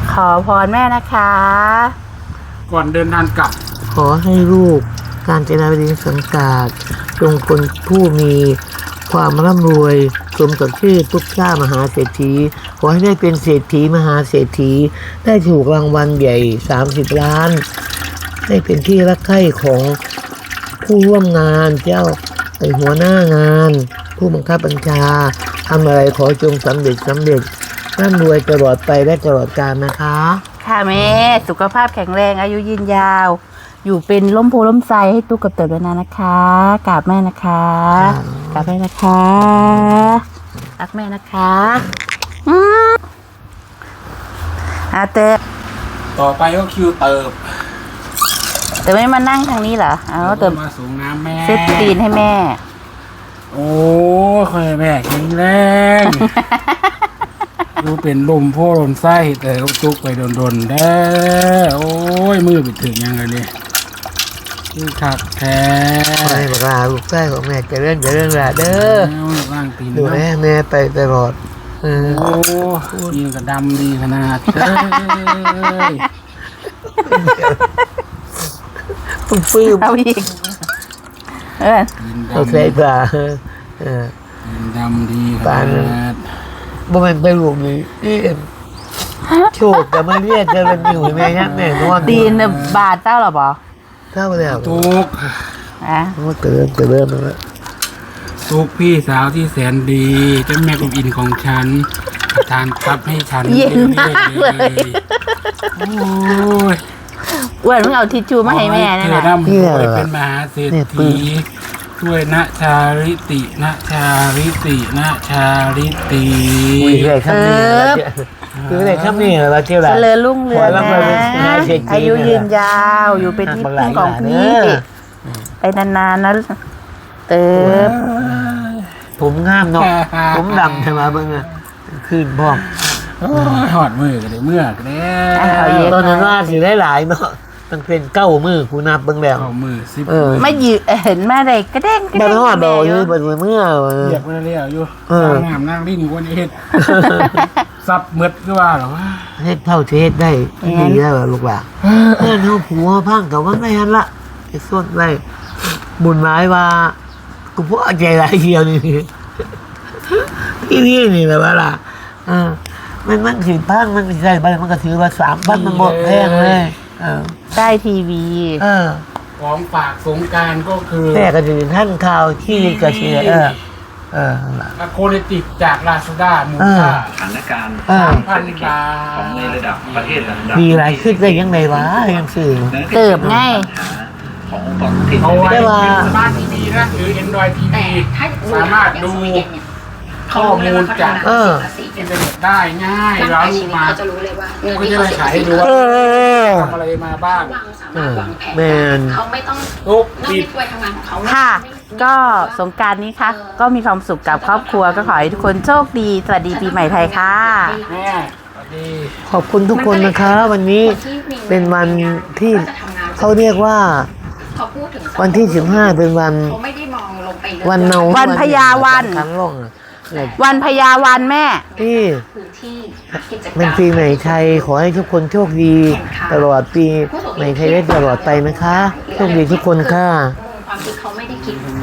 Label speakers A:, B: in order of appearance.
A: ขอพรแม่นะคะ
B: ก่อนเดินทางกลับ
C: ขอให้ลูกการจนาบดินสังกาดจงคนผู้มีความร่ำรวยสมกับชื่อทุกชาติมหาเศรษฐีขอให้ได้เป็นเศรษฐีมหาเศรษฐีได้ถูกรางวัลใหญ่30 ล้านได้เป็นที่รักใคร่ของผู้ร่วมงานเจ้าไอหัวหน้างานผู้บังคับบัญชาทำอะไรขอจงสำเร็จร่ำรวยตลอดไปและตลอดกาลนะคะ
A: ค่ะแม่สุขภาพแข็งแรงอายุยืนยาว อยู่เป็นร่มโพล่มไทรให้ตุ๊กกับเต๋อด้วยนะคะกราบแม่นะคะกราบแม่นะคะรักแม่นะคะเต๋อ
B: ต่อไปก็คิวเติบ
A: เต๋อไม่มานั่งทางนี้เหรอเอาเต๋อ
B: มาสูงน้ำแม่
A: เซ็ตตีนให้แม่
B: โอ้ค่อยแม่แข็งแรง ดูเป็นลมโพลมไส้แต่ก็จุกไปโดนๆได้โอ้ยมือไปถึงยังไงเนี่ยคือขักแท้
C: ไม่บอกลาลูกชายของแม่จะเรื่องละเด้อ
B: ร่างตีน
C: ดูแม่ไปตลอด
B: โอ้ยิงกระดำดีขนาดเลย
C: ฟื้น
A: เอาอีก
B: ยิง
C: เอาใส่
B: ดำ
C: ปลา
B: ยิงดำดีขนาด
C: บ่แม่นไปลูกนี่นี่โชคแต่ไม่เรียกจะเป็นอยู่แม่ยักแม่นอน
A: ตีนบาดเจ้าหรอปะ
C: เท่าแล้ว
B: ตุก
C: มันเติมแล้ว
B: ตุกพี่สาวที่แสนดีเจ้าแม่กุมอินของฉันประทานทรัพย์ให้ฉัน
A: เย็นมากเลย
B: โอ้ย
A: อ้วนมึงเอาทิชชู่มาให้แม่นั่น
B: เธอ
A: น่ะ
B: ร่ำรวยเป็นมหาเศรษฐีช่วยนะชาริตินะชาริตินะชาริติ
C: อุ้ยได้คำนี้คือได้คำนี้เราเที่ยว
A: เจ
C: ละ
A: ริญรุ่งเรือง
C: ขอร่ำรวยเป็นมหา
A: นะ
C: เศรษฐี
A: อายุยืนยาวอยู่เป็นที่พึ่งของพี่ไปนานๆนะเติบ
C: ผมงามเนาะผมดำใช่ไหมเบิ่งอ่ะขึ้นพร้อม
B: โอ้ยหอดมือกันเลยเมื่อกแล้ว
C: ตอนนั้นว่าสิได้หลายเนาะมันเป็น9 มือกูนับเบิ่งแล้ว
B: เอามือสิบ
A: ไม่ยืเห็นแม่เลยกระเด้งกระ
C: บ่
A: เด้ง
C: ฮอดดอกอยู่เบิ่งเมื่อ
B: เรียกมาเรียกอยู่นางงามนางลิ้นกวนเฮ็ดซับมืดก็ว่าหรอวะ
C: เฮ็ดเท่าเทศได้ดีแล้วลูกหลานเพื่อนเฮาผัวพังกับว่าไม่หันละไอ้ส่วนไว้บุญหมายว่ากูพอใจหลายเที่ยวนี่นี่แหละว่าล่ะมันสิพังมันสิได้ไปมันก็ถือว่า3,000มันหมดแพงเลย
A: ได้ทีวี
B: ของฝากสงการก็คือ
C: แต่ก็จะท่านข่าวที่กระเชีย
B: อะโคเนติกจากลาซาด้ามูลค่า
D: สถานการณ์
B: 3,000 บาท
D: ของในระดับประเทศระดับ
C: มีหลายขึ้นได้ยังไงวะยังสื่อ
A: เติบง่าย
D: ขององค์กรที่
B: เอาไว้
C: ได้ว่า
B: เป็นสมาร์ททีวีนะหรือ Android TV สามารถดูข้อมูลจากอินเทอร์เน็ตได้ง่ายแล้วลูกมา
E: เขาจะรู้เลยว่าเงิน
B: ก็
E: ที่
B: จะ
E: เขา
B: ได้
E: เสีย
B: ขาย
E: ภาษี
B: ให้ดูว่า
C: อ
B: ทำอะไรมาบ้าง
E: วางสามารถวางแผน
C: แมน
E: เขาไม่ต้อง
B: ทุก
E: นั่ง
B: ปิด
E: ในถ้วยทำงานของเขา
A: ค่ะ ก็สงกรานต์นี้ค่ะก็มีความสุขกับครอบครัวก็ขอให้ทุกคนโชคดีสวัสดีปีใหม่ไทยค่ะ
B: แม่สวัสดี
C: ขอบคุณทุกคนนะคะ วันนี้เป็นวันที่เขาเรียกว่า
E: เขาพูดถึง
C: วันที่15เป็นวัน
E: เขาไม่ได้มองลงไปเลย
C: วันเนา
A: วันพญาวัน
C: ครั้งลงเนี่ย
A: วันพญาวันแม่
C: ที่
E: พื้นที่กิจกรรม
C: เป็นปีใหม่ไทยขอให้ทุกคนโชคดี ตลอดปีใหม่ไทยได้ตลอดไปนะคะโชคดีทุกคนค่ะ
E: ความคิดเขาไม่ได้คิด